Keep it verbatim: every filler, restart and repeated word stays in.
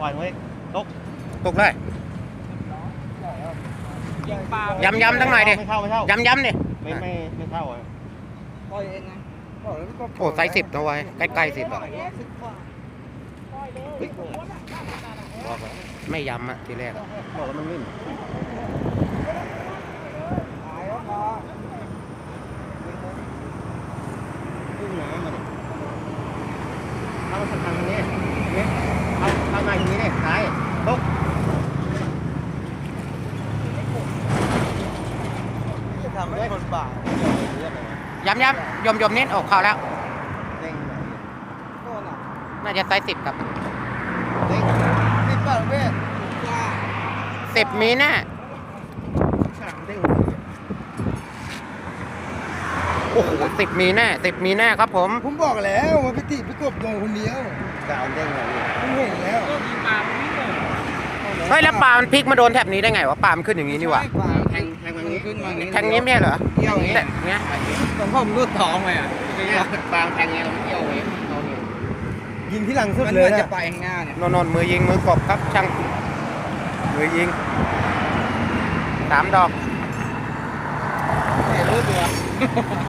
ปล่อยไว้ตกตกเลยยำยำทั้งหน่อยดิไม่เข้าไม่เข้ายำยำดิไม่ไม่ไม่เข้าอ่ะปล่อยเองไงปล่อยแล้วก็โอ้ไซส์สิบนะไว้ใกล้ๆสิบอ่ะบอกแล้วไม่ยำอ่ะทีแรกอะบอกแล้วมันนิ่มหายแล้วพอขึ้นน้ำมาดิเอามาทางทางนี้เนี่ยเอาเอามาอย่างนี้ดิซ้ายตกจะทำให้คนบ่ายยำยำยมยมนิดออกข่าวแล้วเด้งไหนโน่นอ่ะน่าจะไซส์สิบครับเด้งสิบบาทเว้ยสิบมีแน่ฉากเด้งโอ้โหสิบมีแน่สิบมีแน่ครับผมผมบอกแล้วว่าพี่ติพี่กบโดนคนเดียวกาวเด้งอะไรเนี่ยผมเห็นแล้วเฮ้ยแล้วปลามันพลิกมาโดนแถบนี้ได้ไงวะปลามันขึ้นอย่างนี้นี่หว่าแทงแทงมันนี้ขึ้นมาแทงนี้ไม่ใช่เหรอเกี่ยวอย่างนี้แต่เนี้ยตรงผมรูดท้องไปอ่ะบางแทงเงี้ยเราไม่เกี่ยวเองเราเนี่ยยิงที่หลังสุดเลยจะไปข้างหน้าเนี่ยนนนมือยิงมือกบครับช่างมือยิงสามดอกแต่รูดตัว